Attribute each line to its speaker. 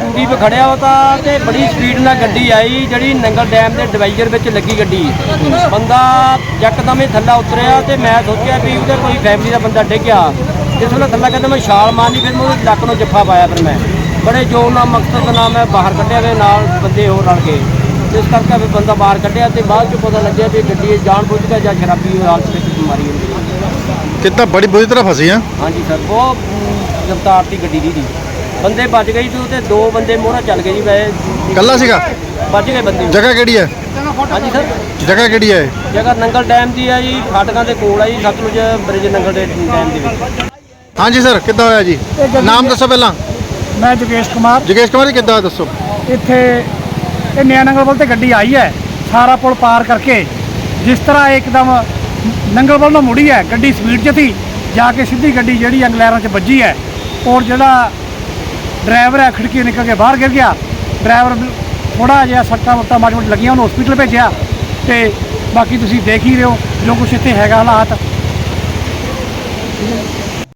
Speaker 1: ਸੰਦੀਪ ਖੜਿਆ ਉਹ ਤਾਂ ਤੇ ਬੜੀ ਸਪੀਡ ਨਾਲ ਗੱਡੀ ਆਈ ਜਿਹੜੀ ਨੰਗਲ ਡੈਮ ਦੇ ਡਿਵਾਈਜ਼ਰ ਵਿੱਚ ਲੱਗੀ ਗੱਡੀ। ਬੰਦਾ ਯਕਦਮ ਹੀ ਥੱਲੇ ਉਤਰਿਆ ਤੇ ਮੈਂ ਸੋਚਿਆ ਵੀ ਉਹਦੇ ਕੋਈ ਫੈਮਿਲੀ ਦਾ ਬੰਦਾ ਡਿੱਗਿਆ। ਜਿਸ ਵੇਲੇ ਥੱਲੇ ਕਹਿੰਦਾ ਮੈਂ ਛਾਲ ਮਾਰਨੀ, ਫਿਰ ਮੈਂ ਉਹਦੇ ਲੱਕ ਨੂੰ ਜੱਫਾ ਪਾਇਆ। ਫਿਰ ਮੈਂ ਬੜੇ ਜ਼ੋਰ ਨਾਲ ਮਕਸਦ ਨਾਲ ਮੈਂ ਬਾਹਰ ਕੱਢਿਆ ਵੇ, ਨਾਲ ਬੰਦੇ ਹੋਰ ਰਲ ਕੇ। ਇਸ ਕਰਕੇ ਫਿਰ ਬੰਦਾ ਬਾਹਰ ਕੱਢਿਆ ਤੇ ਬਾਅਦ 'ਚ ਪਤਾ ਲੱਗਿਆ ਵੀ ਗੱਡੀ ਜਾਣ ਬੁੱਝ ਕੇ ਜਾਂ ਸ਼ਰਾਬੀ ਹਾਲਤ ਵਿੱਚ ਮਾਰੀ ਹੁੰਦੀ।
Speaker 2: ਕਿੱਦਾਂ ਬੜੀ ਬੁਰੀ ਤਰ੍ਹਾਂ ਫਸੀ ਆ?
Speaker 1: ਹਾਂਜੀ ਸਰ, ਬਹੁਤ ਰਫਤਾਰ ਦੀ ਗੱਡੀ ਦੀ ਬੰਦੇ ਬਚ ਗਈ ਤੂੰ ਤੇ 2 ਬੰਦੇ ਮੋਹਰਾ ਚੱਲ ਗਏ ਜੀ। ਵੈਸੇ
Speaker 2: ਕੱਲਾ ਸੀਗਾ?
Speaker 1: ਬਚ ਗਏ ਬੰਦੇ।
Speaker 2: ਜਗ੍ਹਾ ਕਿਹੜੀ ਹੈ?
Speaker 1: ਹਾਂਜੀ ਸਰ,
Speaker 2: ਜਗ੍ਹਾ ਕਿਹੜੀ ਹੈ?
Speaker 1: ਜਗ੍ਹਾ ਨੰਗਲ ਡੈਮ ਦੀ ਹੈ ਜੀ, ਫਾਟਕਾਂ ਦੇ ਕੋਲ ਹੈ ਜੀ, ਸਤਲੁਜ ਬ੍ਰਿਜ ਨੰਗਲ ਦੇ ਡੈਮ ਦੇ ਵਿੱਚ।
Speaker 2: ਹਾਂਜੀ ਸਰ, ਕਿੱਦਾਂ ਹੋਇਆ ਜੀ? ਨਾਮ ਦੱਸੋ ਪਹਿਲਾਂ।
Speaker 3: मैं जोगेश कुमार।
Speaker 2: जोगेश कुमार जी, किद्दां दसो?
Speaker 3: इत्थे नया नंगल वाल ते गड्डी आई है, सारा पुल पार करके जिस तरह एकदम नंगल वाल मुड़ी है, गड्डी स्पीड च थी, जाके सीधी गड्डी जिहड़ी अंगलैरां च बजी है और जिहड़ा ड्राइवर है खिड़की निकल के बाहर गिर गया। ड्राइवर थोड़ा जिहा सट्टा मुट्टा माड़ी मोटी लगियां, उन्होंने हॉस्पिटल भेजिया ते बाकी तुसीं देख ही रहे हो जो कुछ इत्थे हैगा हालात।